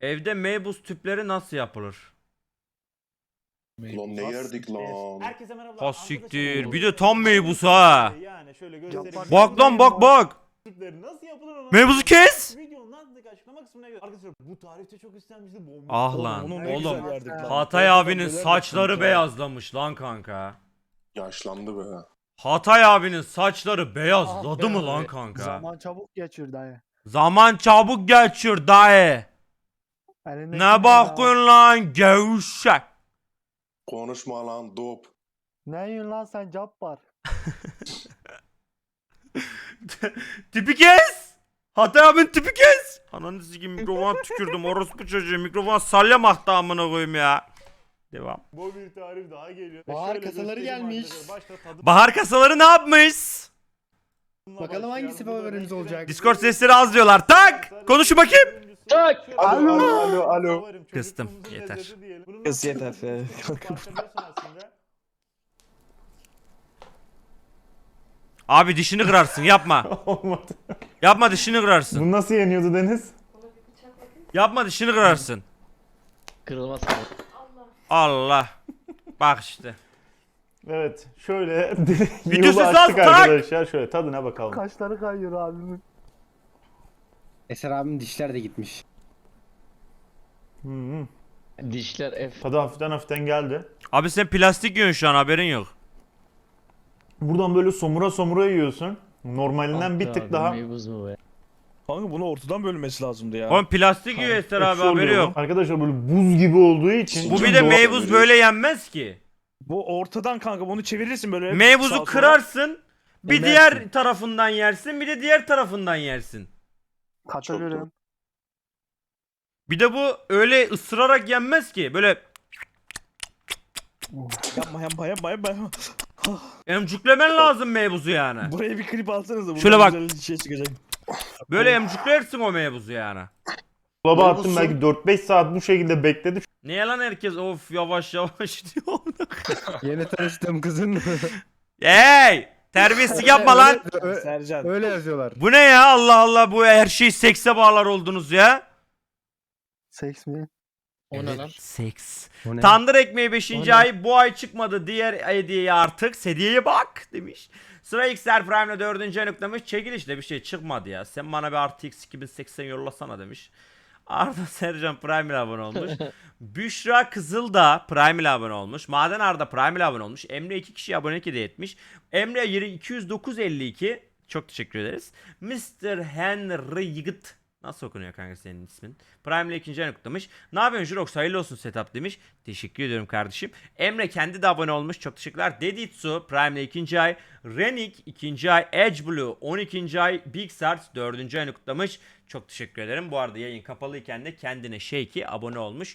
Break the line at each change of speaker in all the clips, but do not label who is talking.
Evde meybuz tüpleri nasıl yapılır?
Lan ne yerdik lan?
Herkese merhaba.
Ha siktir. Bir de tam meybuz ha.
Yani şöyle göstereyim.
Bak lan bak bak.
Nasıl yapılır onu?
Meyvuzu kes.
Videonun altındaki açıklama kısmına göre. Arkadaşlar bu tarifte çok istenmişti.
Ah lan
Onu ne
oğlum.
güzel yerdik lan.
Hatay abinin
Neler
saçları
yaptın
beyazlamış lan kanka.
Yaşlandı be.
Hatay abinin saçları beyazladı mı lan kanka?
Zaman çabuk geçiyor dayı.
Zaman çabuk geçiyor dayı.
Elindeki
Ne bakıyorsun lan gevşek.
Konuşma lan dop.
Ne yiyorsun lan sen Cabbar?
Tipi kes. Hatay abinin tipi kes. Ananı sikeyim mikrofona tükürdüm orospu çocuğu. Mikrofona salya aktı amına koyayım ya. Devam.
Bu bir tarif daha geliyor.
Bahar
Şöyle
kasaları
göstereyim
gelmiş.
arkadaşlar. Başta tadı
Bahar kasaları ne yapmış?
Bakalım hangisi favorimiz olacak?
Discord sesleri az diyorlar. Tak. Konuşun bakayım.
Tak.
Alo, alo, alo.
Kıstım, yeter.
Kız yeter.
Abi dişini kırarsın yapma.
Olmadı.
Yapma dişini kırarsın.
Bu nasıl yeniyordu Deniz?
Yapma dişini kırarsın.
Kırılmaz.
Allah. Bak işte.
Evet. Şöyle
Video
yolu
sesi
açtık
az, tak.
arkadaşlar. Şöyle tadına bakalım.
Kaşları kayıyor abimin.
Eser abinin dişler de gitmiş.
Hı.
Dişler F.
Tadı hafiften geldi.
Abi sen plastik yiyorsun şu an haberin yok.
Buradan böyle somura yiyorsun. Normalinden bir tık daha.
Meybuz mu be?
Kanka bunu ortadan bölmesi lazımdı ya.
Oğlum plastik yiyor Ester abi
ekşi
haberi
oluyor
yok.
bu. Arkadaşlar böyle buz gibi olduğu için.
Bu bir
çok
de
doğal-
meybuz böyle yenmez ki.
Bu ortadan kanka bunu çevirirsin böyle.
Meyvuzu
sağa sola.
kırarsın. Bir
Emersin.
diğer tarafından yersin. Bir de diğer tarafından yersin.
Katılıyorum.
Bir de bu öyle ısırarak yenmez ki. Böyle
Yapma.
emcüklemen lazım meyvuzu yani.
Buraya bir klip alsanız da
Şöyle bak.
güzel şey çıkacak.
Böyle emcüklersin o meyvuzu yani.
Dolaba attım belki 4-5 saat bu şekilde bekledi.
Niye lan herkes of yavaş yavaş diyor.
Yeni tanıştığım kızın.
Hey! Terbiyesizlik yapma lan.
Sercan.
Öyle yazıyorlar.
Bu ne ya Allah Allah bu her şeyi sekse bağlar oldunuz ya.
Seks mi?
O ne lan?
Seks.
O ne?
Tandır ekmeği 5.
O ne?
ay bu ay çıkmadı diğer hediyeye artık. Hediyeye bak demiş. Sıra XR Prime'le 4. ay noktamış. Çekilişte bir şey çıkmadı ya. Sen bana bir artı X 2080 yollasana demiş. Arda Sercan Prime ile abone olmuş. Büşra Kızıl da Prime ile abone olmuş. Maden Arda Prime ile abone olmuş. Emre 2 kişi abonelik hediye etmiş. Emre 209.52 çok teşekkür ederiz. Mr. Henry Yigit nasıl okunuyor kanka senin ismin? Prime ile 2. ay kutlamış. Ne yapıyorsun Jurox hayırlı olsun setup demiş. Teşekkür ediyorum kardeşim. Emre kendi de abone olmuş. Çok teşekkürler. Deditsu Prime ile 2. ay. Renik 2. ay. Edge Blue 12. ay. Big Sart 4. ayını kutlamış. Çok teşekkür ederim. Bu arada yayın kapalıyken de kendine Shake'i abone olmuş.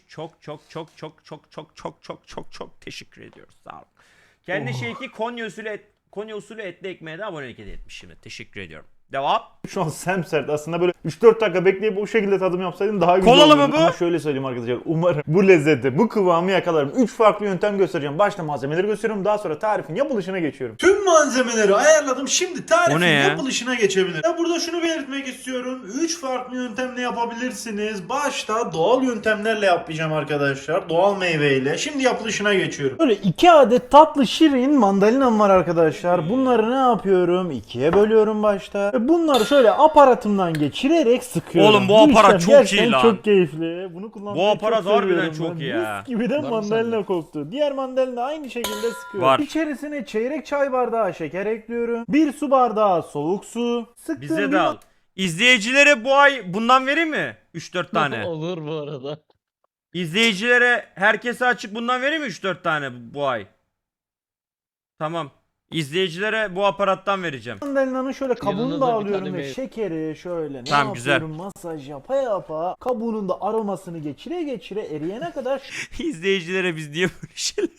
Çok teşekkür ediyoruz. Sağ olun. Kendi Shake'i Konya usulü etli ekmeğe de abonelik hediye etmiş şimdi. Teşekkür ediyorum. Devam.
Şu an semsert aslında böyle 3-4 dakika bekleyip o şekilde tadım yapsaydım daha güzel
Kolalı
olurdu.
mı bu?
Ama şöyle söyleyeyim arkadaşlar umarım bu lezzeti, bu kıvamı yakalarım. 3 farklı yöntem göstereceğim. Başta malzemeleri gösteriyorum daha sonra tarifin yapılışına geçiyorum.
Tüm malzemeleri ayarladım. Şimdi
O
tarifin
ne ya?
yapılışına geçebilirim. Ben burada şunu belirtmek istiyorum. 3 farklı yöntemle yapabilirsiniz. Başta doğal yöntemlerle yapacağım arkadaşlar. Doğal meyveyle. Şimdi yapılışına geçiyorum. Böyle 2 adet tatlı şirin mandalinam var arkadaşlar. Bunları ne yapıyorum? 2'ye bölüyorum başta. Ve bunları şöyle aparatımdan geçirerek sıkıyorum.
Oğlum bu aparat
işlem
çok
gerçekten
iyi lan.
çok keyifli. Bunu kullanmayı
Bu aparat
çok
harbiden
seviyorum
çok
ben.
iyi ya.
Mis gibi de
Var mı
mandalina
sende?
koktu. Diğer mandalina aynı şekilde sıkıyorum.
Var.
İçerisine çeyrek çay bardağı şeker ekliyorum. 1 su bardağı soğuk su. Sıktığım
Bize
bir
de al. İzleyicilere bu ay bundan vereyim mi? 3-4 tane.
Olur bu arada.
İzleyicilere herkese açık bundan vereyim mi 3-4 tane bu ay? Tamam. İzleyicilere bu aparattan vereceğim.
mandalinanın şöyle kabuğunu
Yanına
da
da bir
alıyorum
tane
ve
meyve.
şekeri şöyle ne
Tamam, güzel.
yapıyorum masaj yapa kabuğunun da aromasını geçire eriyene kadar
İzleyicilere biz niye böyle şeyler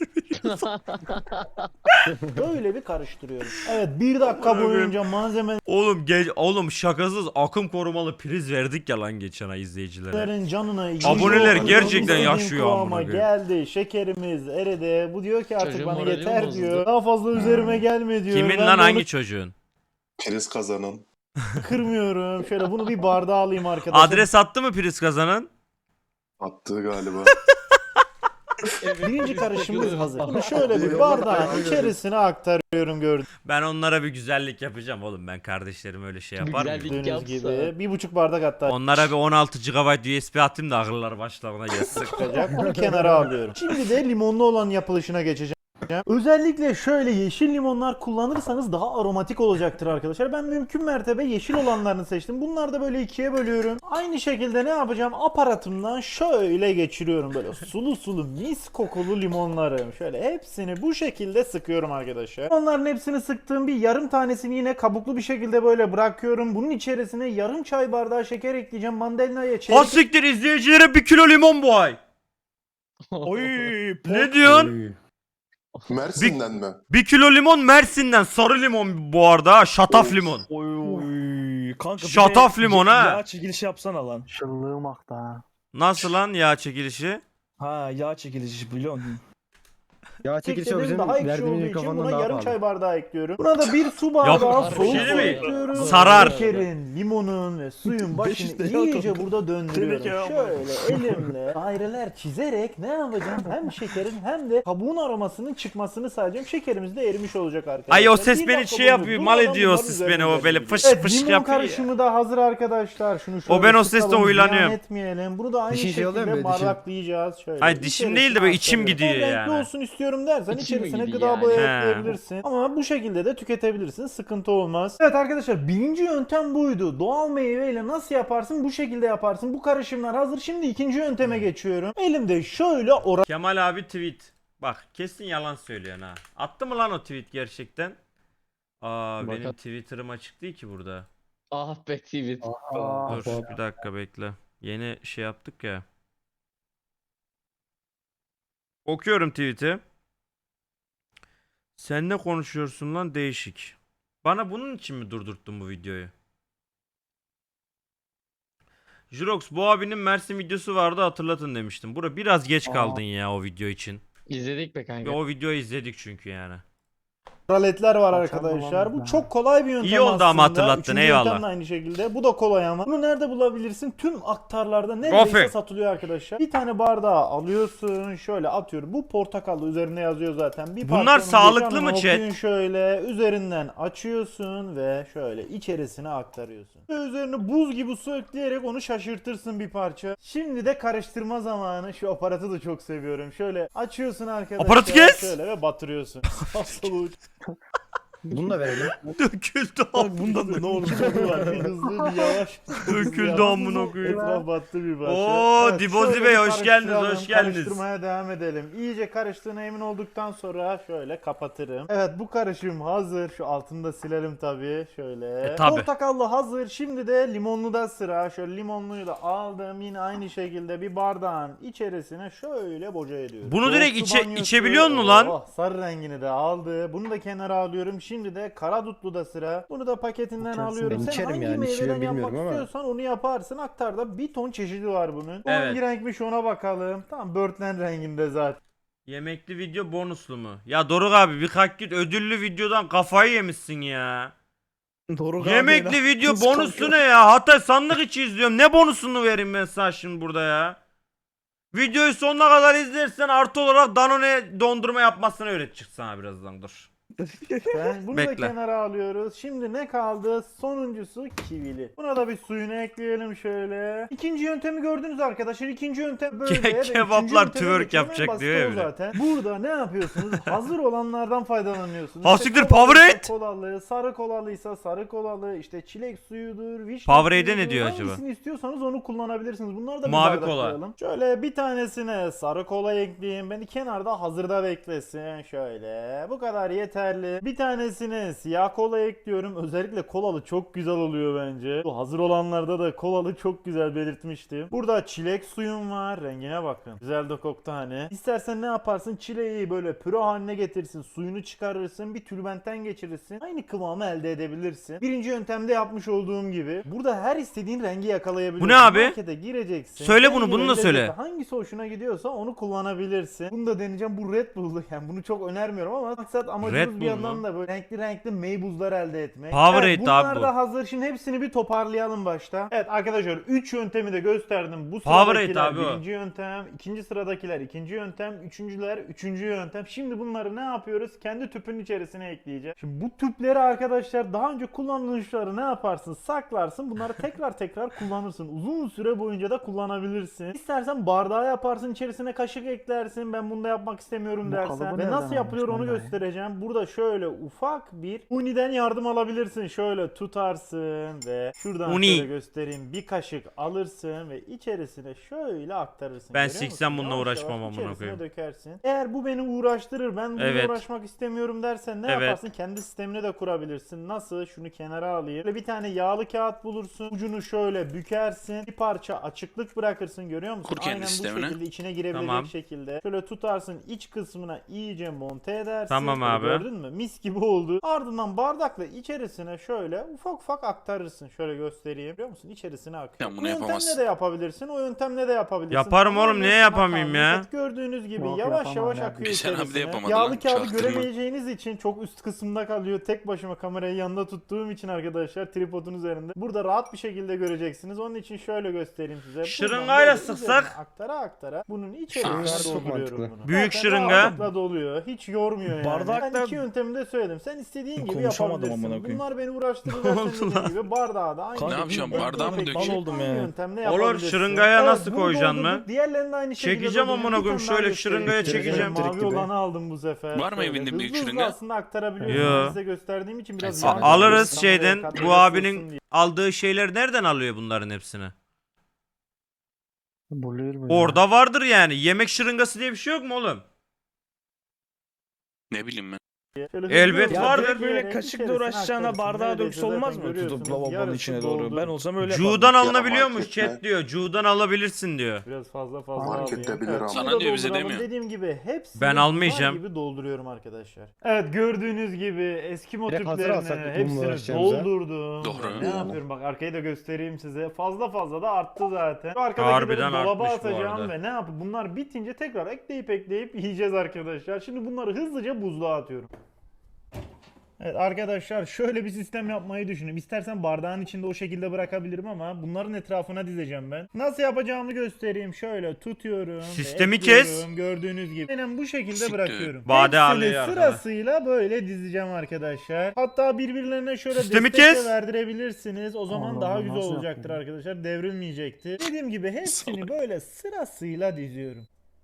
böyle bir karıştırıyorum. Evet 1 dakika boyunca malzemelerin
Oğlum şakasız akım korumalı priz verdik ya lan geçen ay izleyicilere.
canına
Aboneler
gidiyor.
gerçekten
İstediğim
yaşıyor
kıvama
amına koyayım.
geldi. Şekerimiz eridi. Bu diyor ki artık
Çocuğun
bana
morali
yeter
mi bozuldu?
diyor. Daha fazla üzerime gelme diyor.
Kimin
Ben
lan
de
hangi
onu
çocuğun?
Priz kazanın.
kırmıyorum. Şöyle bunu bir bardağa alayım arkadaşlar.
Adres attı mı priz kazanan?
Attı galiba.
Birinci karışımımız hazır. Bunu şöyle bir bardağın içerisine aktarıyorum
Ben onlara bir güzellik yapacağım oğlum. Ben kardeşlerim öyle şey yapar mıyım?
Güzellik.
gördüğünüz
Yapsa.
gibi. 1,5 bardak hatta
Onlara bir 16 GB USB atayım da akılları başlarına gelsin.
çıkacak. Bunu kenara alıyorum. Şimdi de limonlu olan yapılışına geçeceğim. Özellikle şöyle yeşil limonlar kullanırsanız daha aromatik olacaktır arkadaşlar. Ben mümkün mertebe yeşil olanlarını seçtim. Bunları da böyle ikiye bölüyorum. Aynı şekilde ne yapacağım? Aparatımdan şöyle geçiriyorum. Böyle sulu sulu mis kokulu limonları. Şöyle hepsini bu şekilde sıkıyorum arkadaşlar. Onların hepsini sıktığım bir yarım tanesini yine kabuklu bir şekilde böyle bırakıyorum. Bunun içerisine yarım çay bardağı şeker ekleyeceğim. Mandalina'ya çeyrek...
Hassiktir izleyicilere 1 kilo limon bu ay.
Oy.
Ne diyorsun?
Mersin'den mi?
1 kilo limon Mersin'den. Sarı limon bu arada. Ha, şataf limon.
Oy. Kanka bir
Şataf
de
limon ha.
Yağ çekilişi yapsana lan.
Şıllığım aktı ha.
Nasıl lan yağ çekilişi?
Ha yağ çekilişi biliyor musun?
Ya çekiliş o
Çektiğim
bizim
daha ekşi
verdiğimiz
olduğu için
mikrofondan
buna
daha
yarım
pahalı.
çay bardağı ekliyorum. Buna da bir su bardağı
Yok,
soğuk
bir şey
su
mi?
ekliyorum.
Sarar.
Şekerin, limonun ve suyun başını
500 lira
iyice
kanka.
burada döndürüyorum.
Teneke yapma.
Şöyle elimle daireler çizerek ne yapacağım? Hem şekerin hem de kabuğun aromasının çıkmasını sağlayacağım. Şekerimiz de erimiş olacak arkadaşlar.
Ay o ses
Bir
beni
dakika
şey
boyunca
yapıyor.
durmadan
Mal ediyor o
bunların
ses
üzerine
beni o böyle
gidiyorum.
fış
Evet,
fış
limon
yapıyor.
karışımı da hazır arkadaşlar. Şunu şöyle
benim o sesle
sıkalım,
huylanıyorum.
ziyan etmeyelim. Bunu da aynı
Dişin şey oluyor mu
şekilde
böyle, dişin?
bardaklayacağız. Şöyle.
Ay dişim değil de böyle içim
aktarıyorum.
gidiyor
Renkli
yani.
olsun istiyorum dersen
İçim mi
içerisine
gidiyor
gıda
yani?
boya
He.
ekleyebilirsin. Ama bu şekilde de tüketebilirsin. Sıkıntı olmaz. Evet arkadaşlar birinci yöntem buydu. Doğal meyveyle nasıl yaparsın? Bu şekilde yaparsın. Bu karışımlar hazır. Şimdi ikinci yönteme geçiyorum. Elimde şöyle
Kemal abi tweet. Bak kesin yalan söylüyorsun ha. Attı mı lan o tweet gerçekten? Aa benim
Bakalım.
Twitter'ım açık değil ki burada.
Ah be tweet.
Dur bir dakika bekle. Yeni şey yaptık ya. Okuyorum tweet'i. Sen ne konuşuyorsun lan değişik. Bana bunun için mi durdurttun bu videoyu? Jurox bu abinin Mersin videosu vardı hatırlatın demiştim. Bura biraz geç kaldın ya o video için.
İzledik be kanka.
O videoyu izledik çünkü yani.
oraletler var
Akşam
arkadaşlar.
bulamam
Bu
ya.
çok kolay bir yöntem
İyi oldu ama
aslında.
hatırlattın,
Üçüncü
eyvallah.
yöntem de aynı şekilde. Bu da kolay ama. Bunu nerede bulabilirsin? Tüm aktarlarda neredeyse
Gofret.
satılıyor arkadaşlar. Bir tane bardağı alıyorsun. Şöyle atıyorum. Bu portakallı üzerine yazıyor zaten. Bir
Bunlar
parçanın
sağlıklı
geçen
mı
okuyun
chat?
Şöyle üzerinden açıyorsun ve şöyle içerisine aktarıyorsun. Ve üzerine buz gibi su ekleyerek onu şaşırtırsın bir parça. Şimdi de karıştırma zamanı. Şu aparatı da çok seviyorum. Şöyle açıyorsun arkadaşlar.
Aparatı kes!
Şöyle ve batırıyorsun. Asıl
Bunu da verelim.
Döküldü
Bak bundan da ne olur var. Bir hızlı bir yavaş.
Döküldü amına koyayım.
Etraf battı bir parça.
Oo, Dibozi
şöyle
Bey,
bir
hoş geldiniz,
karıştıralım,
hoş geldiniz.
Karıştırmaya devam edelim. İyice karıştığına emin olduktan sonra şöyle kapatırım. Evet bu karışım hazır. Şu altını da silelim tabii. Şöyle.
Tabii.
Portakallı hazır. Şimdi de limonlu da sıra. Şöyle limonluyu da aldım. Yine aynı şekilde bir bardağın içerisine şöyle boca ediyorum.
Bunu direkt
Soğuk su banyosu.
içebiliyor musun lan?
Oh, sarı rengini de aldı. Bunu da kenara alıyorum. Şimdi de karadutlu da sıra. Bunu da paketinden
İçersin.
alıyorum.
Ben
Sen
içerim
hangi
yani,
meyveden
içiyorum
yapmak
bilmiyorum ama.
istiyorsan onu yaparsın. Aktarda bir ton çeşidi var bunun. O
Evet.
hangi renkmiş ona bakalım. Tamam börtlen renginde zaten.
Yemekli video bonuslu mu? Ya Doruk abi bir kalk git ödüllü videodan kafayı yemişsin ya.
Doruk abi
Yemekli
ya.
video
Kız
bonusu
kalkıyor.
ne ya? Hatta sandık içi izliyorum. Ne bonusunu vereyim ben sana şimdi burada ya? Videoyu sonuna kadar izlersen artı olarak Danone dondurma yapmasını öğretecek sana birazdan dur.
Bunu
Bekle.
da kenara alıyoruz. Şimdi ne kaldı? Sonuncusu kivili. Buna da bir suyunu ekleyelim şöyle. İkinci yöntemi gördünüz arkadaşlar. İkinci yöntem böyle. ve üçüncü
Kebaplar
yönteme
twerk
geçelim. En
yapacak
basit
diyor ya
o
bir de.
zaten. Burada ne yapıyorsunuz? Hazır olanlardan faydalanıyorsunuz.
Hassiktir,
İşte kolalıysa
Powerade.
Kolalı, sarı kolalıysa sarı kolalı, işte çilek suyudur, vişne
Powerade ne
suyudur.
diyor acaba?
Hangisini istiyorsanız onu kullanabilirsiniz. Bunları da bir
Mavi
bardaklayalım. Şöyle bir tanesine sarı kola ekleyeyim. Beni kenarda hazırda beklesin. Şöyle. Bu kadar yeterli. Bir tanesine siyah kola ekliyorum. Özellikle kolalı çok güzel oluyor bence. Bu hazır olanlarda da kolalı çok güzel belirtmiştim. Burada çilek suyum var. Rengine bakın. Güzel de koktu hani. İstersen ne yaparsın? Çileği böyle püre haline getirsin. Suyunu çıkarırsın. Bir tülbentten geçirirsin. Aynı kıvamı elde edebilirsin. Birinci yöntemde yapmış olduğum gibi. Burada her istediğin rengi yakalayabilirsin.
Bu ne abi?
Markete gireceksin.
Söyle bunu,
Rengi
bunu da
lezzeti
söyle.
Hangisi hoşuna gidiyorsa onu kullanabilirsin. Bunu da deneyeceğim. Bu Red Bull'lu. Yani bunu çok önermiyorum ama maksat amacımız bir
Buz
yandan
mu?
da böyle renkli renkli meybuzlar elde etmek.
Powerade
evet, bunlar
abi bu.
da hazır. Şimdi hepsini bir toparlayalım başta. Evet arkadaşlar 3 yöntemi de gösterdim. Bu
Powerade
sıradakiler
abi o.
birinci yöntem, ikinci sıradakiler ikinci yöntem, üçüncüler üçüncü yöntem. Şimdi bunları ne yapıyoruz? Kendi tüpün içerisine ekleyeceğiz. Şimdi bu tüpleri arkadaşlar daha önce kullandığın şunları ne yaparsın? Saklarsın. Bunları tekrar kullanırsın. Uzun süre boyunca da kullanabilirsin. İstersen bardağa yaparsın, içerisine kaşık eklersin. Ben bunu da yapmak istemiyorum
Bu
dersen.
kalıbı
Ve
nereden
nasıl yapılıyor
almış
onu
lan ben ya?
göstereceğim. Burada şöyle ufak bir uniden yardım alabilirsin. Şöyle tutarsın ve şuradan
Uni.
şöyle göstereyim. Bir kaşık alırsın ve içerisine şöyle aktarırsın.
Ben
Görüyor
siksem
musun?
bununla
Yavaş
uğraşmam
yavaş
amına
içerisine
koyayım.
dökersin. Eğer bu beni uğraştırır, ben bununla
Evet.
uğraşmak istemiyorum dersen ne
Evet.
yaparsın? Kendi sistemini de kurabilirsin. Nasıl? Şunu kenara alayım. Böyle bir tane yağlı kağıt bulursun. Ucunu şöyle bükersin. Bir parça açıklık bırakırsın. Görüyor musun?
Kur kendi
Aynen bu
sistemini.
şekilde içine girebilecek
Tamam.
şekilde. Şöyle tutarsın, iç kısmına iyice monte edersin.
Tamam
Böyle
abi.
Gördün mü? Mis gibi oldu. Ardından bardakla içerisine şöyle ufak aktarırsın. Şöyle göstereyim. Biliyor musun? İçerisine akıyor.
Sen
Bu
bunu
yöntemle
yapamazsın.
de yapabilirsin. O yöntemle de yapabilirsin.
Yaparım oğlum,
Tamamen
niye
sana
yapamayayım
kalmış.
ya?
Evet, gördüğünüz gibi
Yok,
yavaş
yapamam
yavaş
ya.
akıyor
Sen abi de
içerisine.
yapamadın
Yağlı
lan,
kağıdı
çaktırma.
göremeyeceğiniz için çok üst kısımda kalıyor. Tek başıma kamerayı yanında tuttuğum için arkadaşlar tripodun üzerinde. Burada rahat bir şekilde göreceksiniz. Onun için şöyle göstereyim size. Buradan
Şırıngayla
böyle
sıksak?
üzerine aktara bunun içerisine
Şırınga çok
dolduruyorum
mantıklı.
bunu.
Büyük
Zaten
şırınga.
rahatlıkla doluyor. Hiç yormuyor yani.
Bardakla-
Ben iki yöntemi de söyledim. Sen istediğin gibi
Konuşamadım
yapabilirsin.
amına koyayım.
Bunlar beni uğraştırır dersen dediğim gibi bardağı da aynı.
Kanka,
Ne yapacağım,
şekilde
bardağa mı
tek tek
dökeyim?
Mal oldum
aynı
ya.
yöntemle
Olur,
yapabilirsin.
şırıngaya nasıl
bunu
koyacaksın
doldurduk.
mı?
Diğerlerini de aynı şekilde
Çekeceğim
doldurduk.
amına
Bir
koyayım,
tane daha
şöyle
göstereyim.
şırıngaya
Şöyle
çekeceğim.
Mavi
Direkt gibi.
olanı aldım bu sefer.
Var mı
Şöyle
evinde büyük
hızlı
şırınga?
aslında aktarabiliyorum.
Yo.
Ben size gösterdiğim için biraz
Ay,
yavaş
Alırız
kameraya
şeyden.
kadar
Bu
ısınsın
abinin
diye.
aldığı şeyleri nereden alıyor bunların hepsini?
Buluyor mu?
Orada vardır yani. Yemek şırıngası diye bir şey yok mu oğlum?
Ne bileyim ben.
Şöyle hızlı
Elbet
hızlı
Ya
vardır.
direkt böyle
dökerek
kaşıkla
içerisine
uğraşacağına
aktarırsın.
bardağa
Neredeyse
dökse olmaz
zaten
mı? Tutup
görüyorsunuz.
lavabonun
Yarısı
içine
doldu.
doğru. Ben olsam öyle
Cuğdan
yaparım.
alınabiliyor mu?
markette.
Chat diyor. Cuğdan alabilirsin diyor.
Biraz fazla
Markette
alayım.
bilir ama.
bunu
Sana
da
diyor, bize
dolduralım.
demiyor.
Dediğim gibi hepsini
Ben
bunlar
almayacağım.
gibi dolduruyorum arkadaşlar. Evet gördüğünüz gibi Eskimo
Direkt hazır alsak
tüplerini
bununla
hepsini
uğraşacağımıza.
doldurdum.
Doğru.
Ne yapıyorum bak arkayı da göstereyim size. Fazla da arttı zaten. Şu
Harbiden
arkadakileri dolaba
artmış bu
atacağım
arada.
ve ne yapıp bunlar bitince tekrar ekleyip yiyeceğiz arkadaşlar. Şimdi bunları hızlıca buzluğa atıyorum. Evet arkadaşlar şöyle bir sistem yapmayı düşünün. İstersen bardağın içinde o şekilde bırakabilirim ama bunların etrafına dizeceğim ben. Nasıl yapacağımı göstereyim. Şöyle tutuyorum. ve
Sistemi
ekliyorum.
kes.
Gördüğünüz gibi. Aynen bu şekilde
Siktir.
bırakıyorum.
Bade
Hepsini
alıyor arkada.
sırasıyla böyle dizeceğim arkadaşlar. Hatta birbirlerine şöyle
Sistemi
destek de
kes.
verdirebilirsiniz. O zaman
Allah
daha
Allah,
güzel
nasıl
olacaktır
yaptın?
arkadaşlar. Devrilmeyecektir. Dediğim gibi hepsini böyle sırasıyla diziyorum.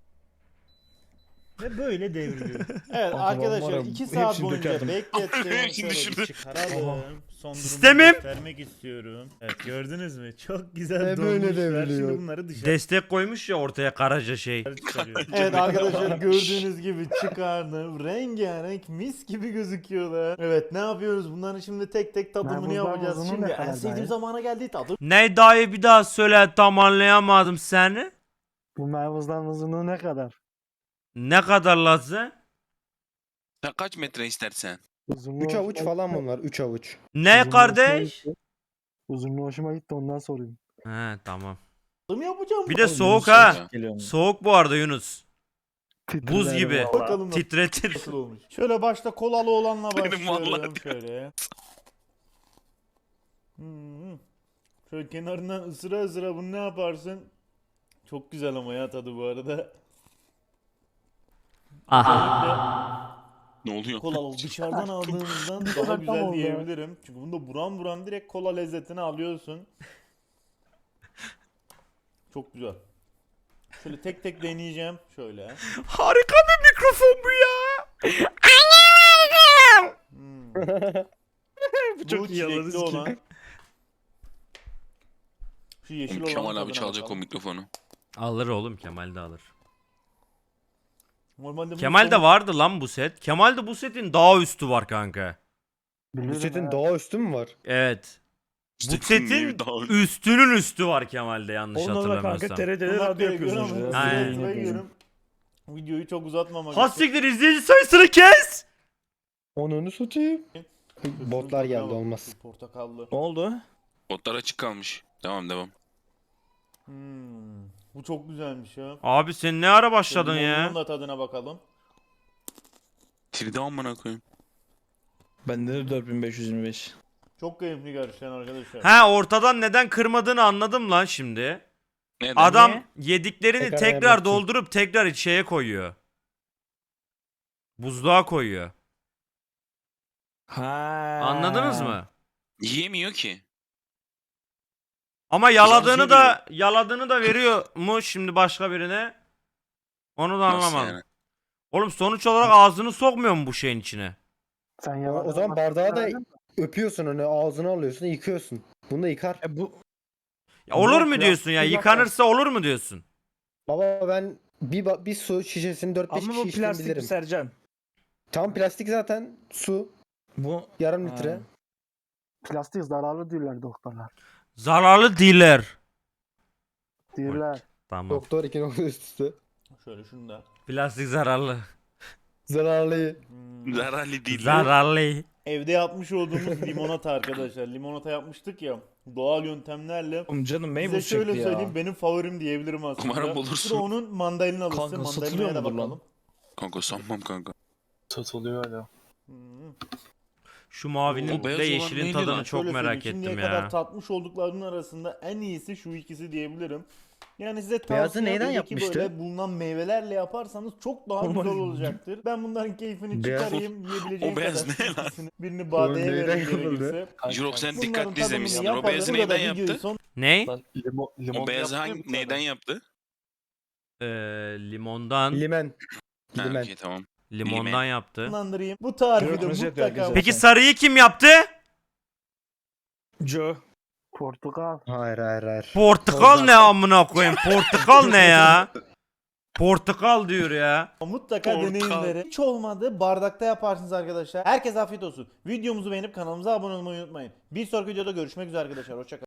Ve böyle devriliyor. Evet
Kanka
arkadaşlar
ben var ya,
2 saat
hepsini
boyunca
dökerdim.
beklettim.
Hepsini
Şöyle
düşürdüm.
bir çıkaralım. Son durumu
Sistemim.
göstermek istiyorum. Evet gördünüz mü? Çok güzel
Böyle
dolmuşlar.
devriliyor.
Şimdi bunları dışarı
Destek koymuş ya ortaya karaca şey.
çıkarıyorum. Evet arkadaşlar gördüğünüz gibi çıkardım. Rengarenk mis gibi gözüküyorlar. Evet ne yapıyoruz? Bunların şimdi tek tek tadımını
Merbuzlar
yapacağız.
uzunu
Şimdi
ne
en
kadar
sevdiğim
dayı?
zamana geldi tadım.
Ne dayı, bir daha söyle, tam anlayamadım seni.
Bu meyvuzların uzunluğu ne kadar?
Ne kadar lazım?
Sen kaç metre istersen?
Uzunluğu
3 avuç
hoşuma
falan
gitti.
bunlar. 3 avuç.
Ne
Uzunluğu hoşuma
kardeş?
gitti. Uzunluğu hoşuma gitti ondan sorayım.
He tamam.
Tadım yapacağım.
Bir de
Bakalım
soğuk
Yunus
ha.
ya.
Geliyorum.
Soğuk bu arada Yunus. Buz
Titrerim
gibi.
vallahi.
Bakalım
Titretir.
nasıl olmuş. Şöyle başta kolalı olanla
Benim
başlıyorum.
vallahi-
Şöyle. Şöyle kenarından ısıra bunu ne yaparsın? Çok güzel ama ya tadı bu arada.
Ne oluyor?
Kolalı dışarıdan aldığımızdan daha
Tam
güzel
oldu.
diyebilirim. Çünkü bunda buram direkt kola lezzetini alıyorsun. Çok güzel. Şöyle tek tek deneyeceğim. Şöyle.
Harika bir mikrofon bu ya.
Bu
çok iyi
çilekli
anladınız ki.
olan. Şu yeşil olan
Kemal abi
tadına
çalacak o
bakalım.
mikrofonu.
Alır oğlum, Kemal de alır.
Normalde bunu
Kemal'de
son-
vardı lan bu set. Kemal'de bu setin daha üstü var kanka.
Bu
Biliyorum
setin
ha.
daha üstü mü var?
Evet. Bu
Setin
setin
neyi daha-
üstünün üstü var Kemal'de, yanlış
Onunla da kanka
hatırlamıyorsam.
TRT'de
Bunlar
radyo
gerekiyor
yapıyorsunuz
ama
ya.
hızlı
Aynen.
hızlı gidiyorum. Videoyu çok uzatmamak
Ha
için.
siktir, izleyici sayısını kes.
Onu satayım. Botlar geldi,
Tamam,
olmaz.
şu Portakallı.
Ne oldu?
Botlar açık kalmış. Devam.
Bu çok güzelmiş ya.
Abi sen ne ara başladın ya?
Bunun da tadına bakalım.
Tirde amına koyayım.
Bende de 4525.
Çok keyifli gerçekten arkadaşlar.
Ha, ortadan neden kırmadığını anladım lan şimdi.
Neden?
Adam
Niye?
yediklerini
Tekrar
tekrar
yemek için.
doldurup tekrar şeye koyuyor. Buzluğa koyuyor.
Ha.
Anladınız mı?
Yiyemiyor ki.
Ama
Güzel
yaladığını da veriyor mu şimdi başka birine? Onu da
Nasıl
anlamadım.
yani?
Oğlum sonuç olarak ağzını sokmuyor mu bu şeyin içine?
Sen
O,
yalan.
o zaman bardağı da öpüyorsun onu ağzına alıyorsun yıkıyorsun. Bunu da yıkar.
Bu
Ya olur
Yok
mu
ya,
diyorsun ya?
bir dakika.
Yıkanırsa olur mu diyorsun?
Baba ben bir su şişesini 4-5
ama
kişi
bu
içtim
plastik bir
bilirim.
Sercan.
Tam plastik zaten su
Bu
yarım
Ha.
litre.
Plastik zararlı diyorlar doktorlar.
Zararlı değiller.
Diyorlar.
Tamam.
Doktor 2 nokta üst üste.
Şöyle şunu da.
Plastik zararlı.
Zararlı.
Zararlı değil.
Zararlı.
Evde yapmış olduğumuz limonata arkadaşlar. Limonata yapmıştık ya. Doğal yöntemlerle.
oğlum canım
Size
meyve
şöyle
çekti ya.
söyleyeyim, benim favorim diyebilirim aslında.
Umarım bulursun.
Şurada onun mandalinalısı.
Kanka,
Mandalinaya
satılıyor
da
mudur lan?
bakalım.
Kanka sanmam kanka.
Satılıyor hala.
Hmm.
Şu mavinin
O beyaz
ve
olan
yeşilin
neydi
tadını
lan?
çok
Şöyle
merak
söyleyeyim,
ettim
şimdiye kadar
ya.
tatmış olduklarının arasında en iyisi şu ikisi diyebilirim. Yani size
Beyazı
tavsiyem
neyden
evdeki
yapmıştı?
böyle bulunan meyvelerle yaparsanız çok daha
Normal.
güzel olacaktır. Ben bunların keyfini
Beyaz-
çıkarayım, yiyebileceğim
O beyaz
kadar
ne lan?
ikisini. Birini badeye
neyden
verin
yapıldı?
gerekirse.
Jirok sen
Bunların
dikkatli
tadımını
izlemişsindir. O
yapalım.
beyazı
Burada da
neyden
videoyu
yaptı?
son-
Ne?
O beyazı
yaptı.
neyden yaptı?
Limondan.
Limen.
Ha,
Limen.
okey, tamam.
Limondan yaptı.
sonlandırayım. Bu tarifi de
Kırmızı yapıyor
mutlaka...
herkes.
Peki sarıyı kim yaptı?
Joe.
Portakal.
Hayır.
Portakal ne amına koyayım? Portakal ne ya? Portakal diyor ya.
Mutlaka
Portakal.
deneyimleri. Hiç olmadı bardakta yaparsınız arkadaşlar. Herkese afiyet olsun. Videomuzu beğenip kanalımıza abone olmayı unutmayın. Bir sonraki videoda görüşmek üzere arkadaşlar. Hoşçakalın.